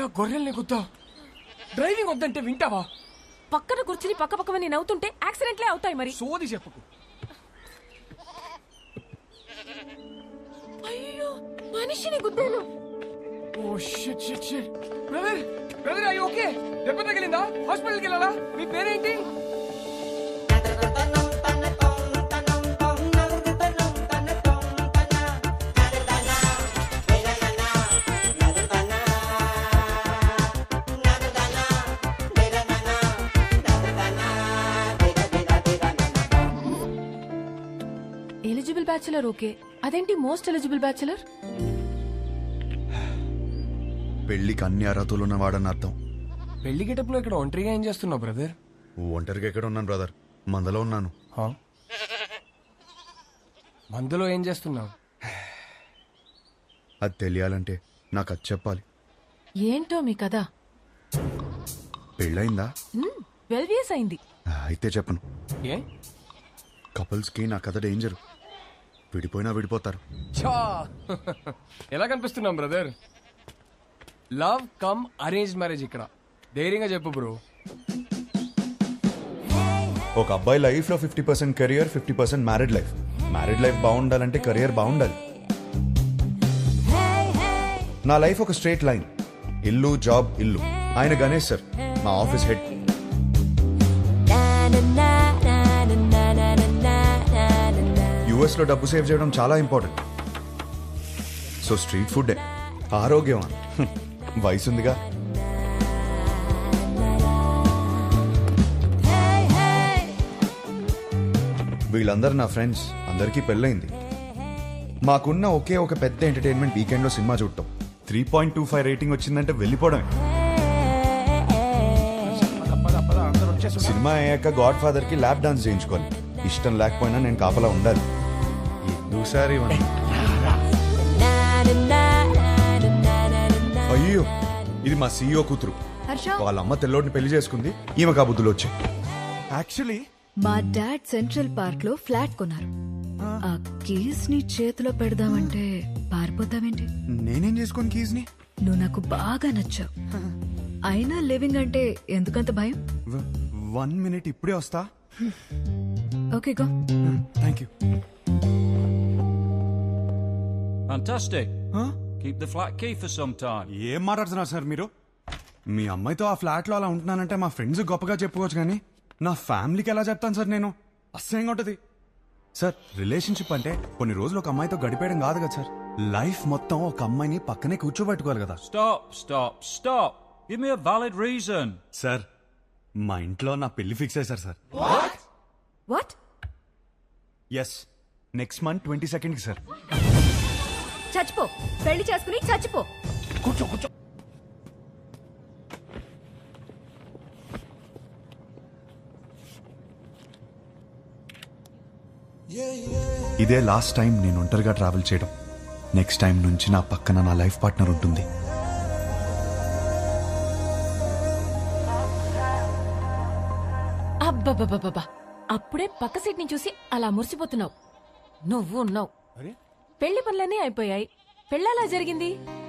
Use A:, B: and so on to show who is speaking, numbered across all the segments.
A: ఆ గొర్రెల్ని గుద్దా డ్రైవింగ్ వద్దంటే వింటావా?
B: పక్కన కూర్చుని పక్క పక్కమని నవ్వుతుంటే యాక్సిడెంట్లే అవుతాయి మరి.
A: సోది చెప్పుకు.
B: అయ్యో మనిషిని గుద్దాను.
A: Oh shit shit shit. Brother brother అయ్యో ఓకే. దెబ్బ తగిలిందా? హాస్పిటల్కి వెళ్ళాలా? మీ పేరేంటి?
B: ఎలిజిబుల్ బ్యాచులర్ ఓకే, అదేంటి మోస్ట్ ఎలిజిబుల్ బ్యాచులర్?
C: పెళ్లికి అన్ని అర్హతలు ఉన్నవాడని అర్థం.
A: పెళ్లి గెటప్లో ఇక్కడ ఒంటరిగా ఏం చేస్తున్నావు బ్రదర్?
C: ఒంటరిగా ఎక్కడ ఉన్నాను బ్రదర్, మందలో ఉన్నాను.
A: మందులో ఏం చేస్తున్నావు?
C: అది తెలియాలంటే నాకు అది చెప్పాలి.
B: ఏంటో మీ కదా?
C: పెళ్ళయిందా?
B: 12 years అయింది.
C: అయితే చెప్పను.
A: ఏ
C: కపుల్స్కి నా కథ డేంజర్. విడిపోయినా విడిపోతారు.
A: చా ఎలా కనిపిస్తున్నాం brother? Love come arrange marriage ఇక్కడ. ధైర్యంగా చెప్పు బ్రో.
C: ఒక అబ్బాయి లైఫ్ లో 50% career, 50% married life. Married life బాగుండాలంటే కెరియర్ బాగుండాలి. నా లైఫ్ ఒక స్ట్రేట్ లైన్. ఇల్లు జాబ్ ఇల్లు. ఆయన గణేష్ సార్, మా ఆఫీస్ హెడ్. యుఎస్ లో డబ్బు సేవ్ చేయడం చాలా ఇంపార్టెంట్. సో స్ట్రీట్ ఫుడ్ ఆరోగ్యం. వయసుందిగా. వీళ్ళందరూ నా ఫ్రెండ్స్. అందరికీ పెళ్ళైంది. మాకున్న ఒకే ఒక పెద్ద ఎంటర్టైన్మెంట్ వీకెండ్ లో సినిమా చూడటం. 3.25 రేటింగ్ వచ్చిందంటే వెళ్ళిపోవడమే. సినిమా అయ్యాక గాడ్ ఫాదర్ కి ల్యాప్ డాన్స్ చేయించుకోవాలి. ఇష్టం లేకపోయినా నేను కాపలా ఉండాలి. ఎందుసారి అయ్యో, ఇది మా సీఈఓ కూతురు. వాళ్ళ అమ్మ తెల్లోడిని పెళ్లి చేసుకుంది. ఈమె కాబుద్దులు వచ్చాయి.
D: యాక్చువల్లీ
E: మా డాడ్ సెంట్రల్ పార్క్ లో ఫ్లాట్ కొన్నారు. ఆ కీస్ ని చేతిలో పెడదామంటే పారిపోతావేంటి?
D: నేనేం చేసుకోను కీస్ ని.
E: నువ్వు నాకు బాగా నచ్చావు. అయినా లివింగ్ అంటే ఎందుకంత భయం?
D: 1 minute ఇప్పుడే వస్తా.
E: Okay go.
D: Thank you.
F: Fantastic.
D: Huh?
F: Keep the flat key for some time.
D: ఏం మాట్లాడుతున్నారు సార్ మీరు? మీ అమ్మాయితో ఆ ఫ్లాట్ లో అలా ఉంటున్నానంటే మా ఫ్రెండ్స్ గొప్పగా చెప్పుకోవచ్చు, కానీ నా ఫ్యామిలీకి ఎలా చెప్తాను సార్ నేను? అసహ్యంగా ఉంటది సార్. రిలేషన్షిప్ అంటే కొన్ని రోజులు ఒక అమ్మాయితో గడిపేయడం కాదు కదా సార్. లైఫ్ మొత్తం ఒక అమ్మాయిని పక్కనే కూర్చోబెట్టుకోవాలి కదా.
F: Stop. Give me a valid reason.
D: Sir, మా ఇంట్లో నా పెళ్లి ఫిక్స్ అయ్యారు sir.
E: What?
D: Yes, next month 22nd కి సార్.
E: చచ్చిపో, పెళ్లి చేసుకుని చచ్చిపో.
A: కూర్చో కూర్చో.
C: ఇదే లాస్ట్ టైం నేను ఒంటరిగా ట్రావెల్ చేయడం. నెక్స్ట్ టైం నుంచి నా పక్కన నా లైఫ్ పార్ట్నర్ ఉంటుంది.
B: అబ్బబ్బబ్బబ్బా, అప్పుడే పక్క సీట్ ని చూసి అలా మురిసిపోతున్నావు. నువ్వు ఉన్నావు. పెళ్లి పనులన్నీ అయిపోయాయి. పెళ్ళలా జరిగింది.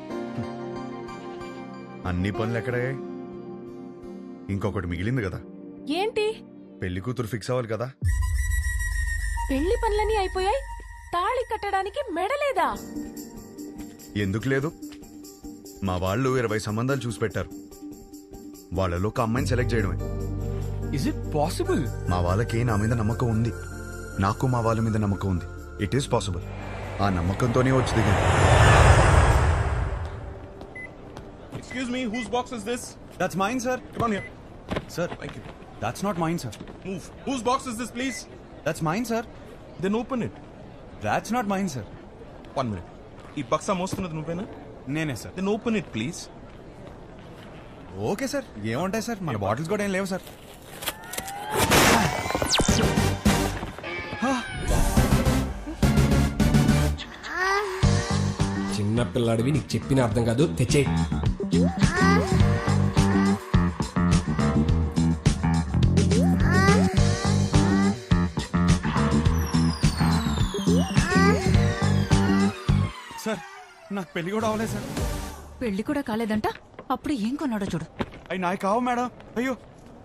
C: అన్ని పనులు ఎక్కడే? ఇంకొకటి మిగిలింది కదా.
B: ఏంటి?
C: పెళ్లి కూతురు ఫిక్స్ అవ్వాలి కదా.
B: పెళ్లి పనులన్నీ అయిపోయాయి, తాళి కట్టడానికి మెడలేదా?
C: ఎందుకు లేదు? మా వాళ్ళు 20 సంబంధాలు చూసి పెట్టారు. వాళ్ళలో ఒక అమ్మాయిని సెలెక్ట్ చేయడమే.
A: Is it possible?
C: మా వాళ్ళకి నా మీద నమ్మకం ఉంది. నాకు మా వాళ్ళ మీద నమ్మకం ఉంది. It is possible. ఆ నమ్మకంతోనే వచ్చి దిగాను.
G: Excuse me, whose box is this?
D: That's mine sir.
G: Come on here.
D: Sir,
G: Thank you.
D: That's not mine sir.
G: Move. Whose box is this, please?
D: That's mine sir.
G: Then open it.
D: That's not mine sir.
G: 1 minute. ఈ బక్సా మోస్తున్నది నువ్వేనా?
D: నేనే sir.
G: Then open it, please.
D: Okay sir, ఏముంటాయి sir, మన bottles కూడా ఏం లేవు సార్.
A: చిన్న పిల్లాడివి, నీకు చెప్పిన అర్థం కాదు. తెచ్చే.
D: సార్, నాకు పెళ్లి కూడా అవ్వలేదు సార్.
E: పెళ్లి కూడా కాలేదంట.
H: అప్పుడు ఏం కొన్నాడో చూడు.
D: అవి నాయి కావు మేడం. అయ్యో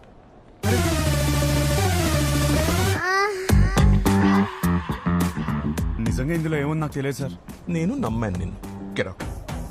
D: నిజంగా ఇందులో ఏముంది నాకు తెలియదు సార్.
G: నేను నమ్మాను నిన్ను. Get out.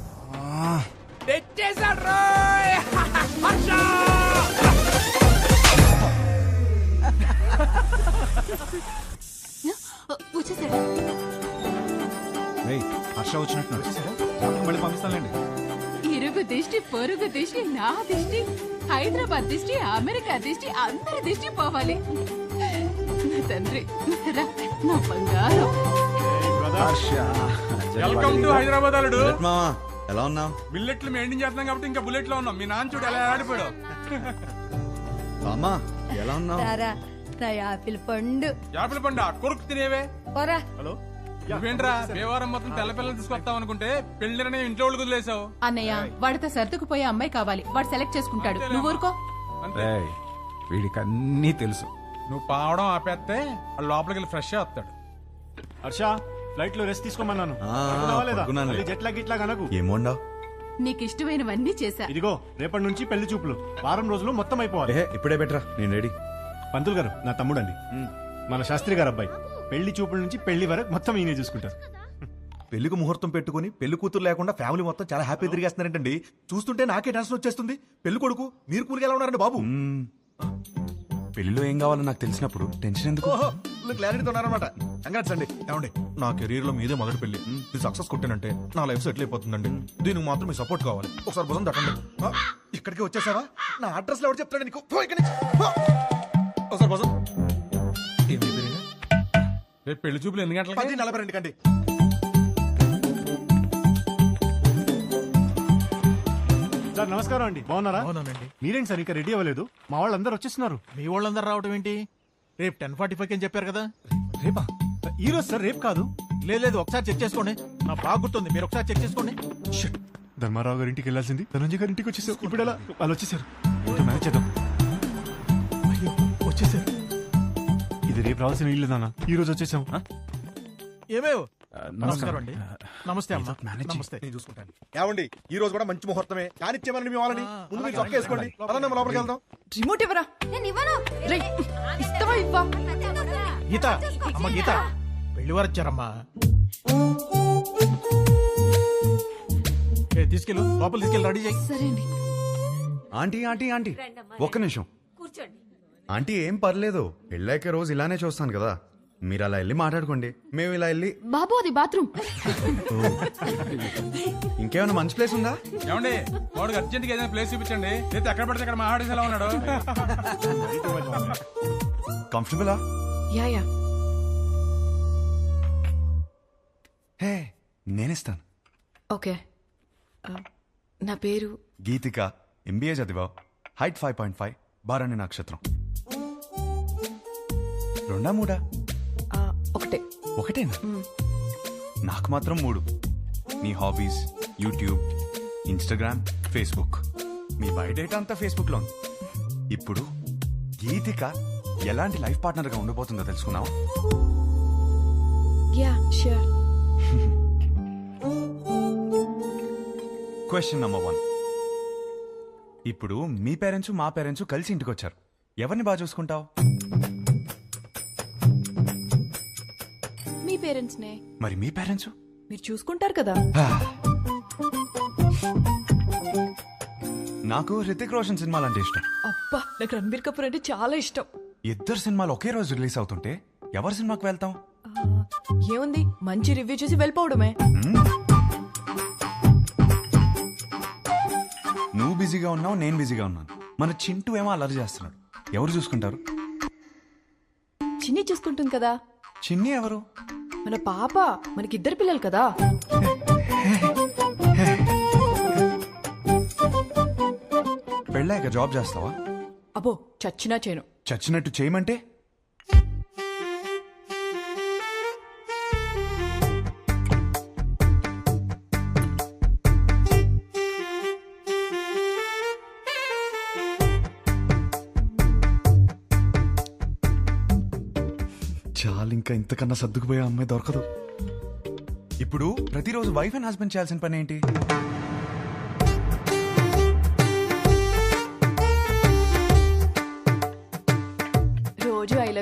H: వచ్చేసాడు.
D: ఏయ్, హర్ష వచ్చినట్టు మళ్ళీ పంపిస్తానులేండి.
I: ఇరుగు దిష్టి, పొరుగు దిష్టి, నా దిష్టి, హైదరాబాద్ దిష్టి, అమెరికా దిష్టి, అందరి దిష్టి పోవాలి. నా తండ్రి, రా, నా బంగారం.
D: వెల్కమ్ టు హైదరాబాద్ అల్లుడు.
C: మామా ఎలా ఉన్నావు?
D: బిల్లెట్లు మెయింటైన్ చేస్తున్నాం కాబట్టి ఇంకా బుల్లెట్ లో ఉన్నాం. మీ నాన్న చూడు ఎలా ఆడిపోయాడు.
C: మామా ఎలా ఉన్నావు?
H: నా యాపిల్ పండు.
D: యాపిల్ పండు కొరుకు తినేవే.
H: పోరా.
D: హలో, నువ్వేంట్రా దేవారం మొత్తం తెల్ల పిల్లలు తీసుకొస్తావు అనుకుంటే పెళ్లిని ఇంట్లో వాళ్ళు వదిలేసావు.
I: అన్నయ్య, వాడితో సర్దుకుపోయే అమ్మాయి కావాలి. వాడు సెలెక్ట్ చేసుకుంటాడు. నువ్వు ఊరుకో.
J: వీడికి అన్నీ తెలుసు.
D: నువ్వు పావడం ఆపేస్తే వాడు లోపలికి వెళ్ళి ఫ్రెష్ వస్తాడు.
J: హర్ష, ఫ్లైట్ లో రెస్ట్ తీసుకోమన్నాను. జెట్లా గిట్లా కనకు.
C: ఏమోండావు?
I: నీకు ఇష్టమైనవన్నీ చేశా.
J: ఇదిగో రేపటి నుంచి పెళ్లి చూపులు. వారం రోజులు మొత్తం అయిపోవాలి.
C: ఇప్పుడే బెటరా, నేను రెడీ.
J: పంతులు గారు నా తమ్ముడండి, మన శాస్త్రి గారు అబ్బాయి. పెళ్లి చూపుల నుంచి పెళ్లి వరకు మొత్తం ఈయనే చూసుకుంటారు.
K: పెళ్లికి ముహూర్తం పెట్టుకుని పెళ్లి కూతురు లేకుండా ఫ్యామిలీ మొత్తం చాలా హ్యాపీ తిరిగేస్తున్నారంటండి. చూస్తుంటే నాకే టెన్షన్ వచ్చేస్తుంది. పెళ్లి కొడుకు మీరు కూలికి ఎలా ఉన్నారండి బాబు?
D: పెళ్లిలో ఏం కావాలో నాకు తెలిసినప్పుడు టెన్షన్ ఎందుకు?
K: క్లారిటీతో ఉన్నారనమాట. కంగ్రాట్స్ అండి. ఏమండి, నా కెరీర్ లో మీదే మొదటి పెళ్లి. ఇది సక్సెస్ కొట్టానంటే నా లైఫ్ సెటిల్ అయిపోతుందండి. దీనికి మాత్రం మీ సపోర్ట్ కావాలి. ఒకసారి భుజం తట్టండి. ఇక్కడికి వచ్చేసావా? నా అడ్రస్ లో ఎవరు చెప్తాడు నీకు? పో ఇక్కడి నుంచి. పో. ఒకసారి భుజం.
D: రేపు పెళ్లి చూపులు ఎన్ని గంటలకి?
K: 10:42 కండి.
J: సార్ నమస్కారం అండి, బాగున్నారా? మీరేంటి సార్ ఇంకా రెడీ అవ్వలేదు? మా వాళ్ళందరూ వచ్చేస్తున్నారు.
K: మీ వాళ్ళందరూ రావడం ఏంటి? రేపు 10:45 అని చెప్పారు కదా.
J: రేపా? ఈ రోజు సార్, రేపు కాదు.
K: లేదు ఒకసారి చెక్ చేసుకోండి. నా బాగా గుర్తుంది, మీరు ఒకసారి చెక్ చేసుకోండి.
J: షిట్. ధర్మారావు గారి ఇంటికి వెళ్ళాల్సింది ధనంజయ్ గారి ఇంటికి వచ్చేసారు. ఇప్పుడు ఎలా? వాళ్ళు వచ్చేసారు. ఇంకా మేనేజ్ చేద్దాం. అయ్యో వచ్చేసారు. ఇది రేపు రావాల్సిన ఇల్లు నాన్న, ఈ రోజు వచ్చేసాం.
K: ఏమేవ్? నమస్కారం అండి. నమస్తే అమ్మా. నమస్తే. నేను చూసుకుంటాను. ఏమండి, ఈ రోజు కూడా మంచి ముహూర్తమే. కానిచ్చేమని మీ వాళ్ళని ముందు మీరు చొక్క వేసుకోండి. పదండి, మనం లోపలికి వెళ్దాం.
H: రిమోట్ ఇవ్వరా. ఇస్తావా ఇవ్వా?
K: గీత, అమ్మ గీత, పెళ్లి వారు వచ్చారమ్మా. తీసుకెళ్ళు, లోపల తీసుకెళ్ళి రెడీ చేయి.
H: సరే అండి.
C: ఆంటీ ఆంటీ ఆంటీ ఒక్క నిమిషం. ఆంటీ ఏం పర్లేదు, పెళ్ళాక రోజు ఇలానే చూస్తాను కదా. మీరు అలా వెళ్ళి మాట్లాడుకోండి, మేము ఇలా వెళ్ళి.
I: బాబు, అది బాత్రూమ్.
C: ఇంకేమైనా మంచి ప్లేస్ ఉందా?
D: ఏమండి, వాడికి అర్జెంట్ గా ఏదైనా ప్లేస్ చూపించండి. అయితే ఎక్కడ పడితే అక్కడ మా ఆడేసి ఎలా ఉన్నాడు.
C: కంఫర్టబులా?
B: Yeah yeah.
C: హే, నేనిస్తాను.
B: ఓకే. నా పేరు
C: గీతిక, ఎంబీఏ చదివావు, హైట్ 5.5, బారాణి నక్షత్రం. 2 3?
B: ఒకటే.
C: ఒకటేనా? నాకు మాత్రం 3. మీ హాబీస్, యూట్యూబ్, ఇన్స్టాగ్రామ్, ఫేస్బుక్. మీ బయోడేటా అంతా ఫేస్బుక్ లో ఉంది. ఇప్పుడు గీతిక ఎలాంటి లైఫ్ పార్ట్నర్ గా ఉండబోతుందో తెలుసుకున్నావా?
B: Yeah sure.
C: Question number 1. ఇప్పుడు మీ పేరెంట్స్ మా పేరెంట్స్ కలిసి ఇంటికి వచ్చారు. ఎవరిని బాగా చూసుకుంటావు?
B: మీ పేరెంట్స్ నే.
C: మరి మీ పేరెంట్స్?
B: మీరు చూసుకుంటారు కదా.
C: నాకు హృతిక్ రోషన్ సినిమాలు అంటే ఇష్టం.
B: అబ్బా, నాకు రణబీర్ కపూర్ అంటే చాలా ఇష్టం.
C: ఇద్దరు సినిమాలు ఒకే రోజు రిలీజ్ అవుతుంటే ఎవరి సినిమాకి వెళ్తాం?
B: ఏముంది, మంచి రివ్యూ చూసి వెళ్ళిపోవడమే.
C: నువ్వు బిజీగా ఉన్నావు, నేను బిజీగా ఉన్నాను. మన చింటూ ఏమో అల్లరి చేస్తున్నాడు. ఎవరు చూసుకుంటారు?
B: చిన్ని చూసుకుంటుంది కదా.
C: చిన్ని ఎవరు?
B: మన పాప. మనకిద్దరు పిల్లలు కదా.
C: పెళ్ళాక జాబ్ చేస్తావా?
B: అబ్బో, చచ్చినా చేయను.
C: చచ్చినట్టు చేయమంటే? చాలు, ఇంకా ఇంతకన్నా సర్దుకుపోయే అమ్మాయి దొరకదు. ఇప్పుడు ప్రతిరోజు వైఫ్ అండ్ హస్బెండ్ చేయాల్సిన పని ఏంటి?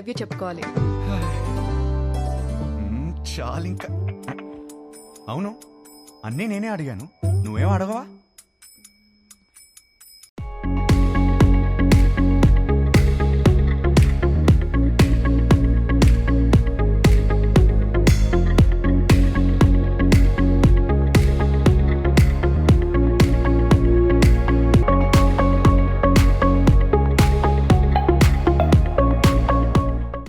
E: లవ్ యూ చెప్పుకోవాలి.
C: చాలు ఇంకా. అవును, అన్నీ నేనే అడిగాను, నువ్వేం అడగవా?